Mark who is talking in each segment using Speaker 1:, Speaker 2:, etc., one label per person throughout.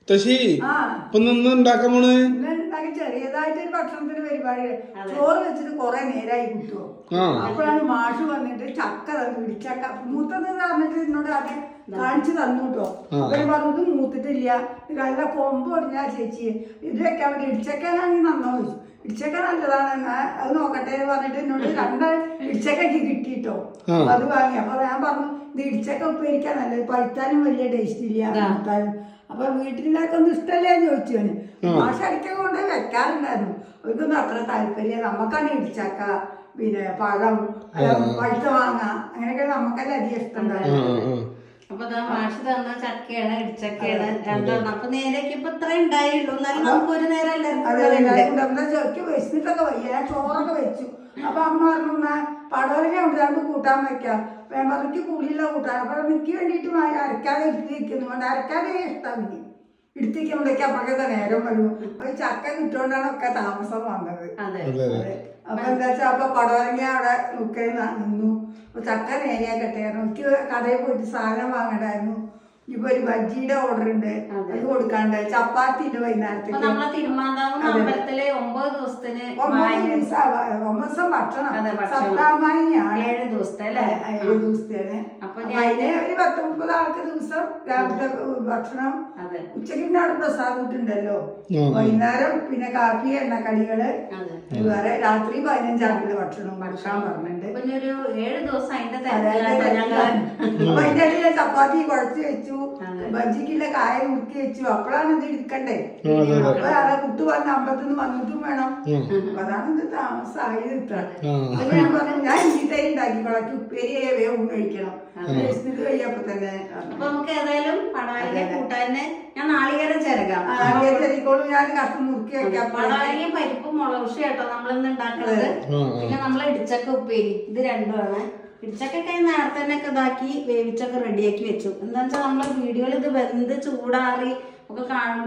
Speaker 1: തശി ഇപ്പൊ നിന്ന് ഉണ്ടാക്കാൻ പോണ്
Speaker 2: ചെറിയതായിട്ടൊരു ഭക്ഷണത്തിന് പരിപാടി ചോറ് വെച്ചിട്ട് കൊറേ നേരമായി കിട്ടുമോ അപ്പോഴാണ് മാഷ് വന്നിട്ട് ചക്ക തന്നു ഇടിച്ചക്ക മൂത്തത് പറഞ്ഞിട്ട് എന്നോട് ആദ്യം കാണിച്ചു തന്നു കേട്ടോ അവര് പറഞ്ഞത് മൂത്തിട്ടില്ല നല്ല കൊമ്പ് ഒടിഞ്ഞാ ചേച്ചി ഇത് വെക്കാൻ വേണ്ടി ഇടിച്ചക്കാണെങ്കിൽ നന്നോ ചോദിച്ചു ഇടിച്ചക്ക നല്ലതാണ് അത് നോക്കട്ടെ എന്ന് പറഞ്ഞിട്ട് എന്നോട് 2 ഇടിച്ചക്കൊക്കെ കിട്ടിട്ടോ അത് വാങ്ങി അപ്പൊ ഞാൻ പറഞ്ഞു ഇത് ഇടിച്ചക്ക ഉപ്പേരിക്കാൻ നല്ലത് പഴുത്താലും വലിയ ടേസ്റ്റ് ഇല്ല പഴുത്താലും അപ്പൊ വീട്ടിലാക്കൊന്നും ഇഷ്ടമല്ലേ എന്ന് ചോദിച്ചു മാഷ അടിക്ക കൊണ്ട് വെക്കാറുണ്ടായിരുന്നു അവർക്കൊന്നും അത്ര താല്പര്യം നമുക്കാണ് ഇടിച്ചക്ക പിന്നെ പഴം പഴുത്ത മാങ്ങ അങ്ങനെയൊക്കെ നമുക്കല്ലേ അധികം ഇഷ്ടമുണ്ടായിരുന്നു
Speaker 3: അപ്പൊ മാഷ് തന്ന ചക്കയാണ് ഇടിച്ചക്കയാണ് രണ്ടെണ്ണം അപ്പൊ നേരേക്ക് ഇപ്പൊ ഇത്ര ഉണ്ടായുള്ളൂ എന്നാലും നമുക്ക് ഒരു നേരം
Speaker 2: ചെറുക്കി വെച്ചിട്ടൊക്കെ വയ്യ ചോറൊക്കെ വെച്ചു അപ്പൊ അമ്മ പറഞ്ഞു പടവലങ്ങ ഉണ്ടാകുമ്പോൾ കൂട്ടാൻ വെക്കാം വേമ്പറയ്ക്ക് പുളിയുള്ള കൂട്ടാൻ അപ്പൊ എനിക്ക് വേണ്ടിയിട്ട് അരക്കാതെ എടുത്തിരിക്കുന്നു കൊണ്ട് അരക്കാതെ ഇഷ്ടം എനിക്ക് എടുത്തിരിക്കുമ്പോഴേക്ക് അപ്പോഴൊക്കെ നേരം വരും അപ്പൊ ചക്ക കിട്ടുകൊണ്ടാണ് ഒക്കെ താമസം വന്നത് അപ്പൊ എന്താ വെച്ചാൽ അപ്പൊ പടവലങ്ങ അവിടെ നിന്നു അപ്പൊ ചക്ക നേരെയാക്കട്ടെ എനിക്ക് കടയിൽ പോയിട്ട് സാധനം വാങ്ങണ്ടായിരുന്നു ഇപ്പൊ ഒരു ബജ്ജിയുടെ ഓർഡർ ഉണ്ട് അത് കൊടുക്കാണ്ട് ചപ്പാത്തി ഉണ്ട് വൈകുന്നേരത്തേക്ക്
Speaker 3: 9 ദിവസത്തിന്
Speaker 2: 9 ദിവസം ഭക്ഷണം സപ്താഹമാനിയാണ്
Speaker 3: 7 ദിവസത്തെ
Speaker 2: 7 ദിവസത്തേന് അപ്പൊ അതിന് ഒരു 10-30 ആൾക്ക് ദിവസം രാവിലത്തെ ഭക്ഷണം ഉച്ചക്കിന്റെ അവിടെ പ്രസാദം കിട്ടുണ്ടല്ലോ വൈകുന്നേരം പിന്നെ കാപ്പി എണ്ണക്കടികള് വേറെ രാത്രി 15 ആൾക്കുള്ള ഭക്ഷണം ഭക്ഷണം പറഞ്ഞിട്ടുണ്ട്
Speaker 3: പിന്നെ ഒരു 7 ദിവസം
Speaker 2: അതിന്റെ ഇടയിൽ ചപ്പാത്തി കുഴച്ച് വെച്ചു ബജ്ജിക്കുള്ള കായ മുറുക്കി വെച്ചു അപ്പോഴാണ് ഇത് എടുക്കണ്ടേ അപ്പോഴാണ് കുട്ടി പറഞ്ഞ അമ്പലത്തിൽ വന്നിട്ടും വേണം അപ്പൊ അതാണ് ഇത് താമസമായത് ഇത്ര അപ്പൊ ഞാൻ പറഞ്ഞു ഞാൻ ഇഞ്ചിത്തൈ ഉണ്ടാക്കിക്കോളാം ഉപ്പേരിയെ വേഗം കഴിക്കണം കഴിയപ്പോ തന്നെ
Speaker 3: അപ്പൊ നമുക്ക് ഏതായാലും പടവലങ്ങ കൂട്ടാന് ഞാൻ നാളികേരം ചേർക്കാം
Speaker 2: ചെറിക്കോളും ഞാൻ കഷ്ണം മുറുക്കി വെക്കാം
Speaker 3: പടവലങ്ങ പരിപ്പും മുളകുഷി കേട്ടോ നമ്മളിന്ന് ഉണ്ടാക്കുന്നത് പിന്നെ നമ്മളെ ഇടിച്ചക്ക ഉപ്പേരി ഇത് രണ്ടുമാണ് ഇടിച്ചക്കൊക്കെ നേരത്തെ തന്നെ ഒക്കെ ഇതാക്കി വേവിച്ചൊക്കെ റെഡിയാക്കി വെച്ചു എന്താ വെച്ചാൽ നമ്മളെ വീഡിയോയിൽ ഇത് വെന്ത് ചൂടാറി ഒക്കെ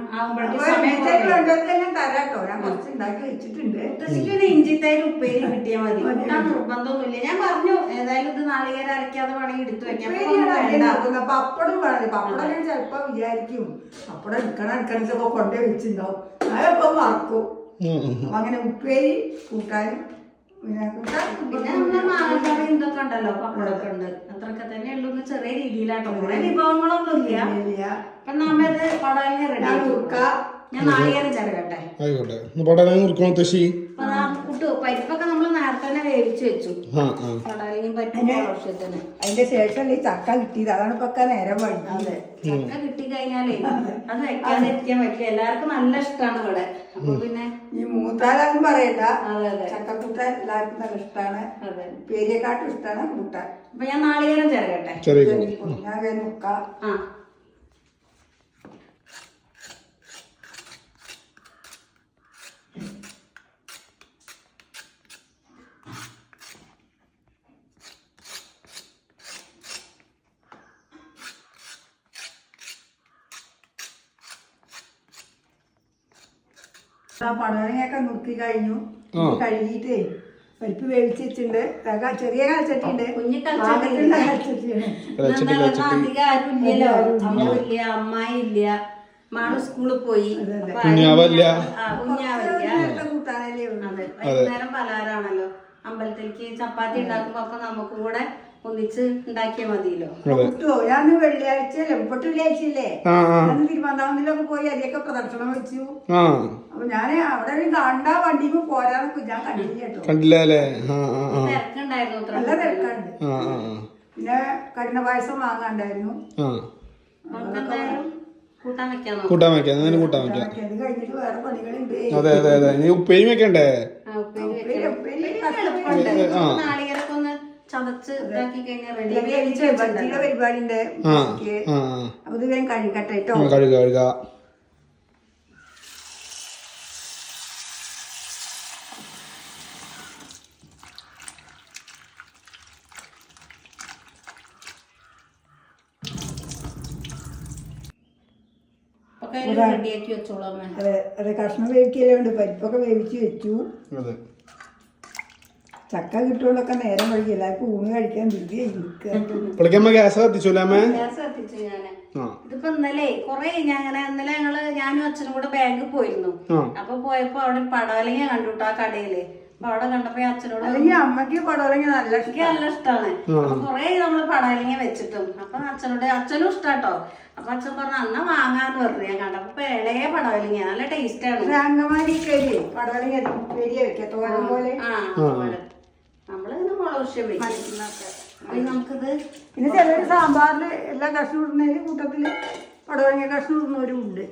Speaker 3: ഇഞ്ചിത്തൈര് ഉപ്പേരി കിട്ടിയാൽ മതി കൂട്ടാൻ നിർബന്ധമൊന്നുമില്ല ഞാൻ പറഞ്ഞു ഏതായാലും ഇത് നാളികേരം അരക്കാതെ വേണമെങ്കിൽ എടുത്തു വെക്കാം
Speaker 2: പപ്പടം വേണം പപ്പടം ഞാൻ ചിലപ്പോ വിചാരിക്കും പപ്പടം എടുക്കണ കൊണ്ടേ വെച്ചിട്ടുണ്ടാവും അതൊക്കെ മറക്കും അങ്ങനെ ഉപ്പേരി കൂട്ടാനും
Speaker 3: പിന്നെ നമ്മളെ മാങ്ങക്കറി ഇതൊക്കെ ഉണ്ടല്ലോ പപ്പടമൊക്കെ ഉണ്ട് അത്രയൊക്കെ തന്നെ ഉള്ളൂ ചെറിയ രീതിയിലാട്ടോ കുറെ വിഭവങ്ങളൊന്നും ഇല്ല അപ്പൊ നമ്മത് പടവലങ്ങ റെഡി ഞാൻ നാളികേരം ചേർക്കട്ടെ കുട്ടു പരിപ്പൊക്കെ നമ്മൾ നേരത്തെ തന്നെ വേവിച്ച് വെച്ചു പടവലങ്ങയും പരിപ്പും ആവശ്യത്തിന്
Speaker 2: അതിന്റെ ശേഷം ഈ ചക്ക കിട്ടിയത് അതാണ് ഇപ്പൊ നേരം വഴി
Speaker 3: അതെ ചക്ക കിട്ടി കഴിഞ്ഞാലേ അത് വെക്കാതിരിക്കാൻ പറ്റില്ല എല്ലാവർക്കും നല്ല ഇഷ്ടമാണ് ഇവിടെ അപ്പൊ പിന്നെ
Speaker 2: ഈ മൂത്താലാരും പറയണ്ട ചക്കക്കൂട്ടാൻ എല്ലാവർക്കും നല്ല ഇഷ്ടമാണ് പേരിയെക്കാട്ടും ഇഷ്ടമാണ് കൂട്ടാൻ
Speaker 3: അപ്പൊ ഞാൻ നാളികേരം ചേർക്കട്ടെ
Speaker 2: ഞാൻ മുക്കാം പടവലങ്ങയൊക്കെ നുറുക്കി കഴിഞ്ഞു കഴുകിട്ടേ പരിപ്പ് വേവിച്ച് വെച്ചിട്ടുണ്ട് ചെറിയ കാൽച്ചട്ടിയുണ്ട്
Speaker 3: അധികം ആരും ഇല്ലല്ലോ അമ്മയില്ല അമ്മായി ഇല്ല മാള് സ്കൂളിൽ പോയി
Speaker 2: കൂട്ടാനല്ലേ
Speaker 3: അതെ വൈകുന്നേരം പലഹാരാണല്ലോ അമ്പലത്തിലേക്ക് ചപ്പാത്തി ഉണ്ടാക്കുമ്പോ അപ്പൊ നമുക്കും കൂടെ ഒന്നിച്ച് ഉണ്ടാക്കിയാൽ മതിയല്ലോ
Speaker 2: കിട്ടുമോ ഞാൻ വെള്ളിയാഴ്ച എപ്പോട്ട് വെള്ളിയാഴ്ചയില്ലേ തിരുവനന്തപുരത്തിലൊക്കെ പോയി അതിയൊക്കെ പ്രദർശനം വെച്ചു അപ്പൊ ഞാൻ അവിടെ കണ്ട വണ്ടിക്ക് പോരാന്ന് ഞാൻ കണ്ടില്ല കേട്ടോ
Speaker 3: തിരക്കുണ്ടായിരുന്നു
Speaker 2: നല്ല തിരക്കുണ്ട് പിന്നെ കഠിന പായസം വാങ്ങാണ്ടായിരുന്നു
Speaker 3: കൂട്ടാൻ വെക്കാം
Speaker 2: അത് കഴിഞ്ഞിട്ട് വേറെ പണികളുണ്ട്
Speaker 1: അതെ അതെ അതെ നീ ഉപ്പേരി വെക്കണ്ടേ
Speaker 3: നാളികേരൊക്കെ ഒന്ന് ചതച്ച് ഇതാക്കി കഴിഞ്ഞാൽ റെഡി
Speaker 2: പരിപാടി ഉണ്ട് അപ്പൊ ഇത് വേഗം കഴിക്കട്ടെ കേട്ടോ
Speaker 1: കഴുക
Speaker 3: റെഡിയാക്കി വെച്ചോളാം
Speaker 2: അതെ കഷ്ണം വേവിക്കലുണ്ട് പരിപ്പൊക്കെ വേവിച്ച് വെച്ചു ചക്ക കിട്ടുകൊണ്ടൊക്കെ നേരം വഴിക്ക് എല്ലാവർക്കും ഊണ് കഴിക്കാൻ
Speaker 1: ഗ്യാസ് കത്തിച്ചു
Speaker 3: ഗ്യാസ് കത്തിച്ചു ഞാന് ഇത് ഇതിപ്പോ ഇന്നലെ കൊറേ ഇന്നലെ ഞാനും അച്ഛനും കൂടെ ബാങ്കിൽ പോയിരുന്നു. അപ്പൊ പോയപ്പോ അവിടെ ഒരു പടവലങ്ങ കണ്ടുട്ടോ ആ കടയില്. അപ്പൊ അവിടെ കണ്ടപ്പോ അച്ഛനോട്
Speaker 2: അമ്മക്ക് പടവലങ്ങ നല്ല
Speaker 3: ഇഷ്ടമാണ്. അപ്പൊ കൊറേ നമ്മള് പടവലങ്ങ വെച്ചിട്ടും അപ്പൊ അച്ഛനും ഇഷ്ടാട്ടോ. അപ്പൊ അച്ഛൻ പറഞ്ഞു അന്നാ വാങ്ങാന്ന് പറഞ്ഞു. ഞാൻ കണ്ടപ്പോ ഇളയ പടവലങ്ങ നല്ല ടേസ്റ്റ് ആണ്.
Speaker 2: അങ്കമാലി പടവലങ്ങ തോരൻ പോലെ
Speaker 3: നമ്മളിങ്ങനെ മുളകുശ്യം വെക്കും. നമുക്കിത്
Speaker 2: പിന്നെ ചിലര് സാമ്പാറില് എല്ലാ കഷ്ണം ഇടുന്നതിന് കൂട്ടത്തില് പടവലങ്ങ കഷ്ണം ഇടുന്നവരും ഉണ്ട്.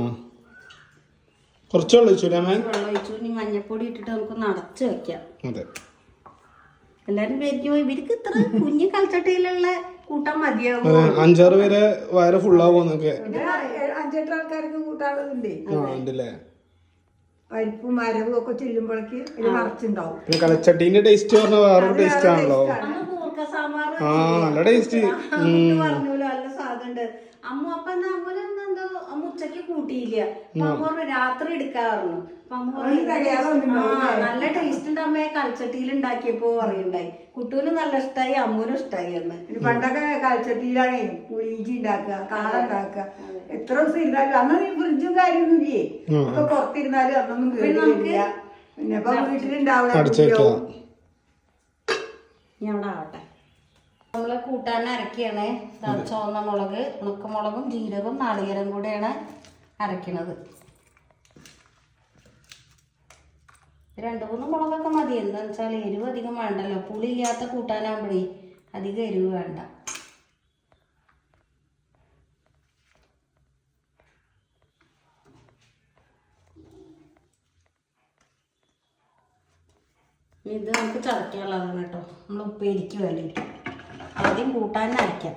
Speaker 1: കുറച്ച് വെള്ളം
Speaker 3: ഒഴിച്ചു. ഇനി മഞ്ഞപ്പൊടി ഇട്ടിട്ട് നമുക്ക് നടച്ച് വെക്കാം. എല്ലാരും വിചാരിക്കും ഇവർക്ക് ഇത്ര കുഞ്ഞു കൽച്ചട്ടയിലുള്ള കൂട്ടാൻ മതിയാവും.
Speaker 1: 5-6 പേരെ വയറ് ഫുള്ളാവുന്നൊക്കെ
Speaker 2: 5-8 ആൾക്കാർക്ക് കൂട്ടാനുള്ളതുണ്ടേ. പരിപ്പും മരവും ഒക്കെ ചെല്ലുമ്പോഴേക്ക് നിറച്ചുണ്ടാവും.
Speaker 1: കലച്ചട്ടീന്റെ ടേസ്റ്റ് പറഞ്ഞാൽ വേറൊരു ടേസ്റ്റ് ആണല്ലോ. നല്ല ടേസ്റ്റ്
Speaker 3: പറഞ്ഞൂലോ. നല്ല സാധനമുണ്ട്. അമ്മ അപ്പൊ അമ്മൂനെന്തോ അമ്മ ഉച്ചക്ക് കൂട്ടിയില്ല. അപ്പൊ അമ്മ പറഞ്ഞു രാത്രി എടുക്കാറുണ്ട്. അപ്പൊ അമ്മ നല്ല ടേസ്റ്റ് ഉണ്ട് അമ്മയെ കൽച്ചട്ടിയിൽ ഉണ്ടാക്കിയപ്പോ പറയുണ്ടായി. കുട്ടൂനും നല്ല ഇഷ്ടമായി, അമ്മൂനും ഇഷ്ടമായി. അന്ന്
Speaker 2: പണ്ടൊക്കെ കൽച്ചട്ടിയിലാണ് പുളിയിഞ്ചി ഉണ്ടാക്കുക, കാള ഉണ്ടാക്കുക. എത്ര ദിവസം ഇരുന്നാലും അന്ന് ഫ്രിഡ്ജും കാര്യമൊന്നുമില്ലേ. ഒക്കെ പുറത്തിരുന്നാലും അന്നൊന്നും കേട്ടില്ല. പിന്നെ ഇപ്പൊ വീട്ടിലുണ്ടാവില്ല.
Speaker 3: ഞാൻ അവിടെ ആവട്ടെ. നമ്മള് കൂട്ടാൻ അരക്കുകയാണ്. ചുവന്ന മുളക്, ഉണക്കമുളകും ജീരകവും നാളികേരം കൂടെയാണ് അരക്കണത്. 2-3 മുളകൊക്കെ മതി. എന്താന്ന് വെച്ചാൽ എരിവ് അധികം വേണ്ടല്ലോ. പുളി ഇല്ലാത്ത കൂട്ടാനാകുമ്പോഴേ അധികം എരിവ് വേണ്ട. ഇത് നമുക്ക് ചതക്കാനുള്ളതാണ് കേട്ടോ. നമ്മൾ ഉപ്പേരിക്ക് വേണ്ടിയിട്ട് ആദ്യം കൂട്ടാൻ അരയ്ക്കാം.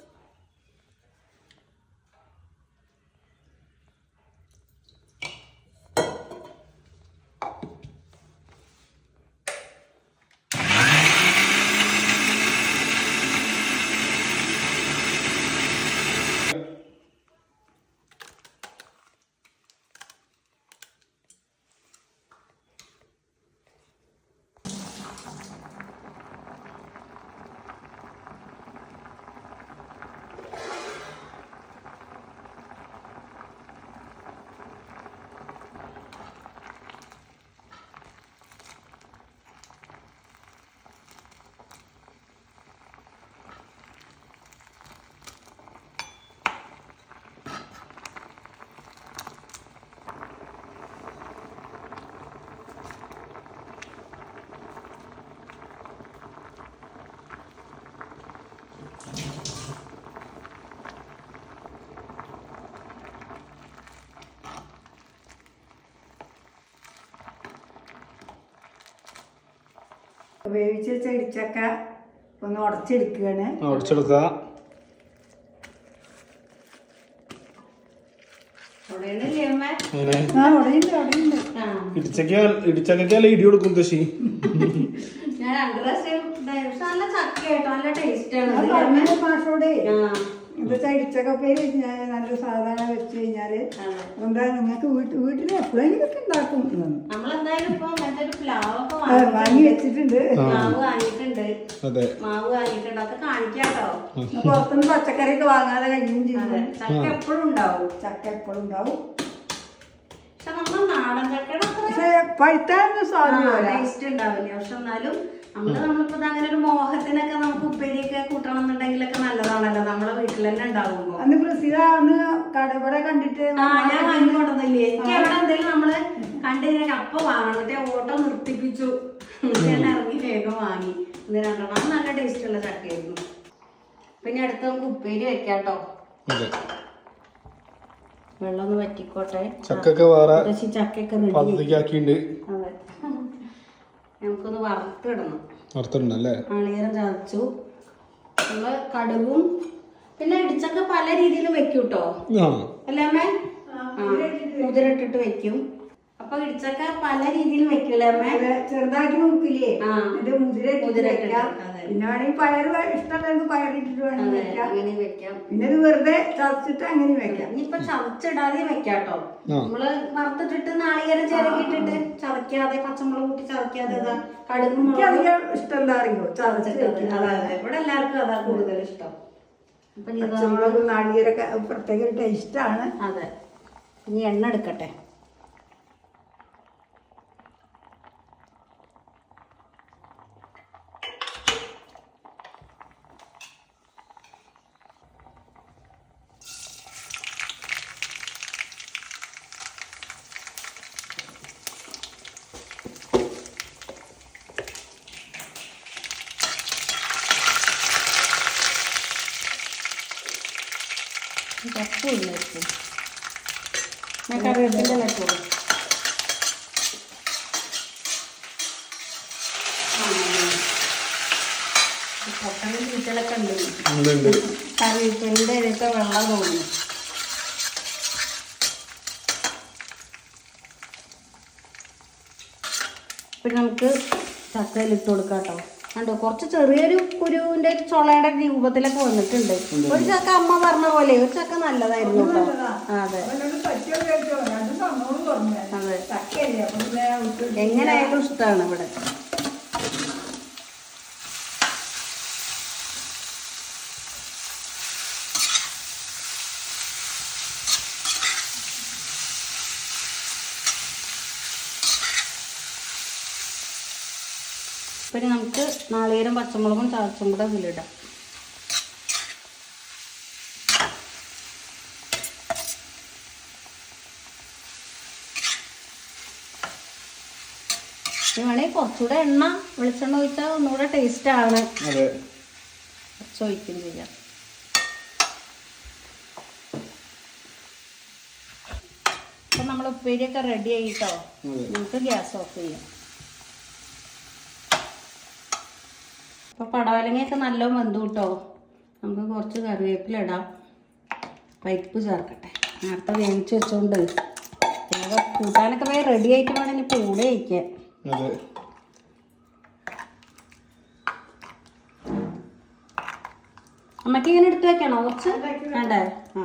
Speaker 2: വേവിച്ച് വെച്ച ഇടിച്ചക്ക ഒന്ന് ഉടച്ചെടുക്കുകയാണ്.
Speaker 1: ഇടിച്ചക്കല്ല ഇടി കൊടുക്കും തശി.
Speaker 3: ഞാൻ 2 പ്രാവശ്യം നല്ല ചക്കയായിട്ടോ നല്ല ടേസ്റ്റ് ആണ്.
Speaker 2: മാഷോടെ എന്താ ഇടിച്ചക്കപ്പേര് നല്ല സാധാരണ വെച്ച് കഴിഞ്ഞാല് എന്താ നിങ്ങൾക്ക് വീട്ടിൽ എപ്പോഴെങ്കിലും ഒക്കെ ഉണ്ടാക്കും.
Speaker 3: നമ്മളെന്തായാലും ഇപ്പൊ
Speaker 2: വാങ്ങി വെച്ചിട്ടുണ്ട്.
Speaker 3: മാവ് വാങ്ങിയിട്ടുണ്ട്. അതൊക്കെ കാണിക്കാട്ടോ.
Speaker 2: പുറത്തുനിന്ന് പച്ചക്കറിയൊക്കെ വാങ്ങാതെ കഴിയും ചെയ്യും.
Speaker 3: ചക്ക എപ്പോഴും ഉണ്ടാവും. പക്ഷെ നമ്മൾ നാടൻ ചക്കയുടെ
Speaker 2: പക്ഷെ പഴുത്താനൊന്നും സാധ്യത
Speaker 3: ടേസ്റ്റ് ഉണ്ടാവില്ല. പക്ഷെ എന്നാലും നമ്മളിപ്പോ അങ്ങനെ ഒരു മോഹത്തിനൊക്കെ നമുക്ക് ഉപ്പേരിയൊക്കെ കൂട്ടണം എന്നുണ്ടെങ്കിലൊക്കെ നല്ലതാണല്ലോ. നമ്മളെ വീട്ടിൽ തന്നെ ഉണ്ടാവുമ്പോ.
Speaker 2: അന്ന് പ്രസിദ്ധ അന്ന് കടവിടെ കണ്ടിട്ട്
Speaker 3: ഞാൻ വാങ്ങിക്കൊണ്ടല്ലേ. എനിക്ക് എവിടെ എന്തെങ്കിലും നമ്മള് കണ്ടു കഴിഞ്ഞാൽ അപ്പൊ വാങ്ങണം. എന്നിട്ട് ഓട്ടോ നിർത്തിപ്പിച്ചു. ഞാൻ ഇറങ്ങി വേഗം വാങ്ങി. ഇത് 2 എണ്ണം നല്ല ടേസ്റ്റ് ഉള്ള ചക്കയായിരുന്നു. പിന്നെ അടുത്ത് നമുക്ക് ഉപ്പേരി വെക്കാട്ടോ. വെള്ളം ഒന്ന് വറ്റിക്കോട്ടെ.
Speaker 1: ചക്കൊക്കെ വേറെ
Speaker 3: ചക്കൊക്കെ
Speaker 1: റെഡിയാക്കിയിട്ടുണ്ട്.
Speaker 3: അതെ, നമുക്കൊന്ന് വറുത്തിടണം.
Speaker 1: വറുത്തിടണല്ലേ.
Speaker 3: നാളികേരം ചതച്ചു. നമ്മള് കടുകും പിന്നെ ഇടിച്ചക്ക പല രീതിയിലും വെക്കൂട്ടോ. അല്ലേ അമ്മേ? മുതിരിട്ടിട്ട് വെക്കും. അപ്പൊ ഇടിച്ചക്ക പല രീതിയിലും വെക്കൂലേ അമ്മേ?
Speaker 2: ചെറുതാക്കി നോക്കില്ലേ? മുതിരിട്ടിട്ട് പിന്നെ വേണമെങ്കിൽ പയറ് ഇഷ്ടമുള്ളത് പയറിട്ടിട്ട് വേണമെങ്കിൽ
Speaker 3: അങ്ങനെ വെക്കാം.
Speaker 2: പിന്നെ ഇത് വെറുതെ ചതച്ചിട്ട് അങ്ങനെ വെക്കാം.
Speaker 3: ഇനിയിപ്പൊ ചതച്ചിടാതെ വെക്കാട്ടോ. നമ്മള് വറുത്തിട്ടിട്ട് നാളികേരം ചിരകിട്ടിട്ട് ചതക്കാതെ പച്ചമുളക് കൂട്ടി ചതക്കാതെ കടുകും
Speaker 2: അധികം ഇഷ്ടം എന്താ അറിയോ? ചതച്ചിട്ട്.
Speaker 3: അതെ, ഇവിടെ എല്ലാവർക്കും അതാ കൂടുതൽ ഇഷ്ടം.
Speaker 2: പച്ചമുളകും നാളികേരൊക്കെ പ്രത്യേക ടേസ്റ്റാണ്.
Speaker 3: അതെ, ഇനി എണ്ണ എടുക്കട്ടെ. കറിവേപ്പിൻ്റെ വെച്ചോളൂ. പൊട്ടനും ചീറ്റലൊക്കെ ഉണ്ട്. കറിവേപ്പിൻ്റെ ഇതൊക്കെ വെള്ളം തോന്നുന്നു. പിന്നെ നമുക്ക് ചക്കയിലിട്ട് കൊടുക്കാം കേട്ടോ. കണ്ടോ, കുറച്ച് ചെറിയൊരു കുരുവിന്റെ ചുളയുടെ രൂപത്തിലൊക്കെ വന്നിട്ടുണ്ട്. ഒരു ചക്ക അമ്മ പറഞ്ഞ പോലെ ഒരു ചക്ക നല്ലതായിരുന്നു കേട്ടോ. അതെ അതെ, എങ്ങനെയായാലും ഇഷ്ടമാണ് ഇവിടെ. പിന്നെ നമുക്ക് നാളികേരം പച്ചമുളകും ചതച്ചും കൂടെ ഇതിലിടാം. വേണമെങ്കിൽ കുറച്ചുകൂടെ എണ്ണ വെളിച്ചെണ്ണ ഒഴിച്ചാൽ ഒന്നുകൂടെ ടേസ്റ്റാണ്. കുറച്ച് ഒഴിക്കും ചെയ്യാം. അപ്പം നമ്മൾ ഉപ്പേരിയൊക്കെ റെഡി ആയിട്ടോ. നമുക്ക് ഗ്യാസ് ഓഫ് ചെയ്യാം. അപ്പോൾ പടവലങ്ങയൊക്കെ നല്ല വെന്തു കേട്ടോ. നമുക്ക് കുറച്ച് കറിവേപ്പില ഇടാം. പരിപ്പ് ചേർക്കട്ടെ. നേരത്തെ വേവിച്ച് വെച്ചോണ്ട് കൂട്ടാനൊക്കെ വേഗം റെഡി ആയിട്ട് വേണം ഇനി കൂടെ വയ്ക്കാൻ. അമ്മക്ക് ഇങ്ങനെ എടുത്ത് വെക്കണോ കുറച്ച്? വേണ്ടേ? ആ,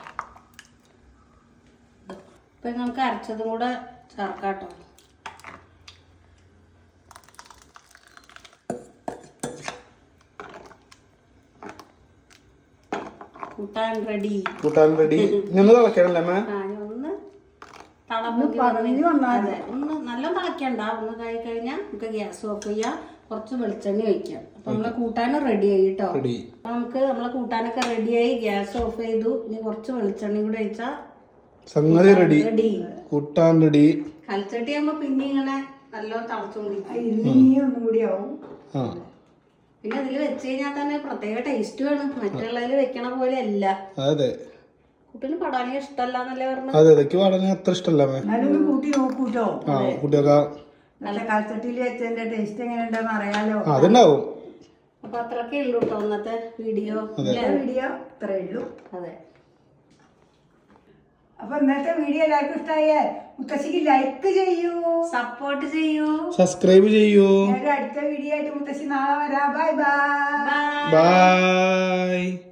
Speaker 3: ഇപ്പം നമുക്ക് അരച്ചതും കൂടെ ചേർക്കാം കേട്ടോ. കൂട്ടാൻ റെഡി.
Speaker 1: ഒന്ന് തിളക്കണല്ലേ?
Speaker 3: ഒന്ന് നല്ല തിളക്കണ്ട. ഒന്ന് കഴി കഴിഞ്ഞാൽ നമുക്ക് ഗ്യാസ് ഓഫ് ചെയ്യാം. കുറച്ച് വെളിച്ചെണ്ണ ഒഴിക്കാം. അപ്പൊ നമ്മളെ കൂട്ടാനും റെഡി ആയി കേട്ടോ. അപ്പൊ നമുക്ക് നമ്മളെ കൂട്ടാനൊക്കെ റെഡിയായി. ഗ്യാസ് ഓഫ് ചെയ്തു. ഇനി കുറച്ച് വെളിച്ചെണ്ണ കൂടെ ഒഴിച്ചാൽ
Speaker 1: സംഗതി റെഡി. കൂട്ടാൻ റെഡി.
Speaker 3: കൽച്ചട്ടി ആകുമ്പോ പിന്നെ ഇങ്ങനെ നല്ലോണം തിളച്ചോണ്ടിരിക്കും.
Speaker 2: ഒന്നും കൂടി ആവും.
Speaker 3: പിന്നെ ഇതിൽ വെച്ച് കഴിഞ്ഞാൽ തന്നെ പ്രത്യേക ടേസ്റ്റ് വേണം. മറ്റുള്ളതിൽ വെക്കണ പോലെ അല്ല.
Speaker 1: അതെ,
Speaker 3: കുട്ടിന് പടവലങ്ങ ഇഷ്ടമല്ലാന്നല്ലേ പറഞ്ഞത്?
Speaker 1: അതെ, എനിക്ക് പടവലങ്ങ അത്ര ഇഷ്ടമല്ല.
Speaker 2: കൂട്ടി നോക്കൂട്ടോ. നല്ല കൽച്ചട്ടിയിൽ വെച്ചതിന്റെ ടേസ്റ്റ് എങ്ങനെ ഉണ്ടെന്ന് അറിയാലോ.
Speaker 1: അതുണ്ടാവും.
Speaker 3: അപ്പൊ അത്രയൊക്കെ ഉള്ളൂ കേട്ടോ ഇന്നത്തെ വീഡിയോ.
Speaker 2: ഇത്രേ ഉള്ളൂ.
Speaker 3: അതെ,
Speaker 2: അപ്പൊ ഇന്നത്തെ വീഡിയോ എല്ലാവർക്കും ഇഷ്ടമായേ മുത്തശ്ശിക്ക് ലൈക്ക് ചെയ്യൂ,
Speaker 3: സപ്പോർട്ട് ചെയ്യൂ,
Speaker 1: സബ്സ്ക്രൈബ് ചെയ്യൂ.
Speaker 2: അടുത്ത വീഡിയോ ആയിട്ട് മുത്തശ്ശി നാളെ വരാം. Bye bye.
Speaker 1: ബൈ.